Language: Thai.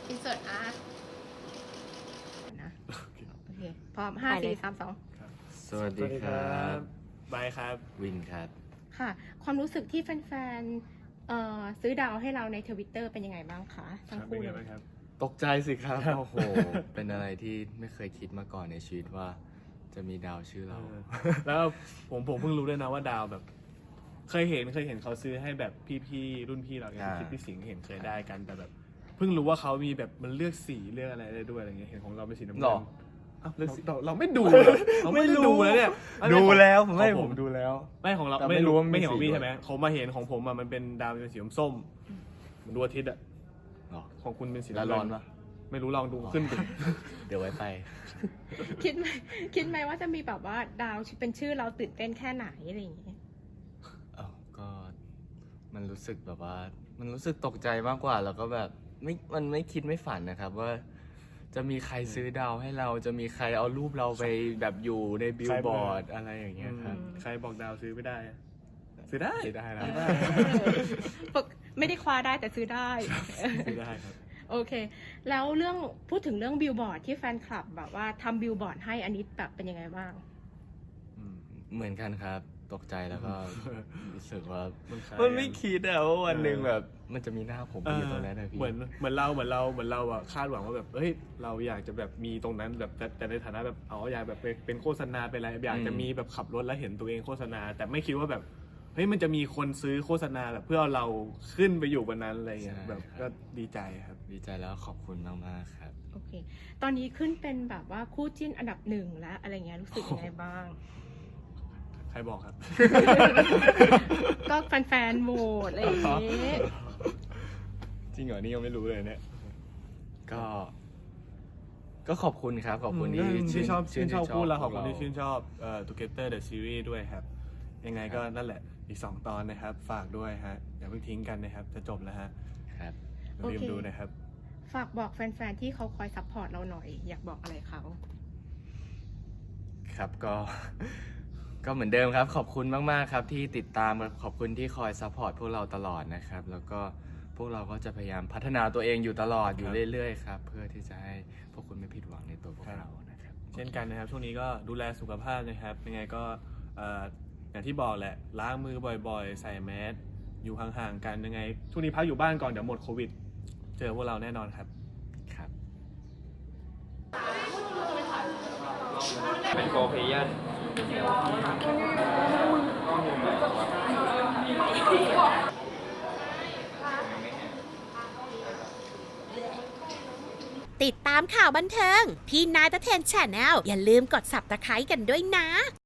อินเสิร์ตอาร์ตนะโอเคพร้อม5 4 3 2 สวัสดีครับบายครับวินครับค่ะความรู้สึกที่แฟนๆซื้อดาวให้เราใน Twitter เป็นยังไงบ้างคะทั้งคู่เลยตกใจสิครับโอ้โหเป็นอะไรที่ไม่เคยคิดมาก่อนในชีวิตว่าจะมีดาวชื่อเราแล้วผมเพิ่งรู้ด้วยนะว่าดาวแบบ เคยเห็นเขาซื้อให้แบบพี่ๆรุ่นพี่เราอย่างคิดพี่สิงห์เห็นเคยได้กันแต่แบบเพิ่งรู้ว่าเขามีแบบมันเลือกสีเลือกอะไรได้ด้วยอะไรเงี้ยเห็นของเราเป็นสีน้ำเงินเราไม่ดูเราไม่ได้ดูแล้วเนี่ยดูแล้วผมดูแล้วไม่ของเราไม่รู้ไม่เห็นของพี่ใช่ไหมเขามาเห็นของผมอะมันเป็นดาวเป็นสีส้มเหมือนดวงอาทิตย์อะของคุณเป็นสีน้ำเงินร้อนปะไม่รู้ลองดูขึ้นเดี๋ยวไว้ไปคิดไหมว่าจะมีแบบว่าดาวเป็นชื่อเราตื่นเต้นแค่ไหนอะไรอย่างเงี้ยก็มันรู้สึกแบบว่ามันรู้สึกตกใจมากกว่าแล้วก็แบบมันไม่คิดไม่ฝันนะครับว่าจะมีใครซื้อดาวให้เราจะมีใครเอารูปเราไปแบบอยู่ในบิลบอร์ดอะไรอย่างเงี้ยครับใครบอกดาวซื้อไม่ได้ซื้อได้แล้วไม่ได้คว้าได้แต่ซื้อได้ซื้อได้ครับโอเคแล้วพูดถึงเรื่องบิลบอร์ดที่แฟนคลับแบบว่าทำบิลบอร์ดให้อันนี้แบบเป็นยังไงบ้างเหมือนกันครับตกใจแล้วก็รู้สึกว่ามันไม่คิดว่าวันหนึ่งแบบมันจะมีหน้าผมอยู่ตรงนั้นนะพี่เหมือนเราอะคาดหวังว่าแบบเฮ้ยเราอยากจะแบบมีตรงนั้นแบบแต่ในฐานะแบบอยากแบบเป็นโฆษณาเป็นอะไรอยากจะมีแบบขับรถแล้วเห็นตัวเองโฆษณาแต่ไม่คิดว่าแบบเฮ้ยมันจะมีคนซื้อโฆษณาแบบเพื่อเอาเราขึ้นไปอยู่บนนั้นอะไรเงี้ยแบบก็ดีใจครับดีใจแล้วขอบคุณมากๆครับโอเคตอนนี้ขึ้นเป็นแบบว่าคู่จิ้นอันดับ1แล้วอะไรเงี้ยรู้สึกยังไงบ้างใครบอกครับก็แฟนๆโหวตอะไรอย่างเงี้ยจริงเหรอนี่ยังไม่รู้เลยเนี่ยก็ขอบคุณครับขอบคุณที่ชอบคู่เราขอบคุณที่ชื่นชอบTogether the Series ด้วยครับยังไงก็นั่นแหละอีก2 ตอนนะครับฝากด้วยฮะอย่าเพิ่งทิ้งกันนะครับจะจบแล้วฮะครับอย่าลืมดูนะครับฝากบอกแฟนๆที่เขาคอยซัพพอร์ตเราหน่อยอยากบอกอะไรเขาครับก็เหมือนเดิมครับขอบคุณมากๆครับที่ติดตามขอบคุณที่คอยซัพพอร์ตพวกเราตลอดนะครับแล้วก็พวกเราก็จะพยายามพัฒนาตัวเองอยู่ตลอดอยู่เรื่อยๆครับเพื่อที่จะให้พวกคุณไม่ผิดหวังในตัวพวกเรานะครับเช่นกันนะครับช่วงนี้ก็ดูแลสุขภาพนะครับยังไงก็อย่างที่บอกแหละล้างมือบ่อยๆใส่แมสอยู่ห่างๆกันยังไงช่วงนี้พักอยู่บ้านก่อนเดี๋ยวหมดโควิดเจอพวกเราแน่นอนครับเป็นโกเพยันติดตามข่าวบันเทิงพี่นายตะเทนแชนแนลอย่าลืมกด Subscribe กันด้วยนะ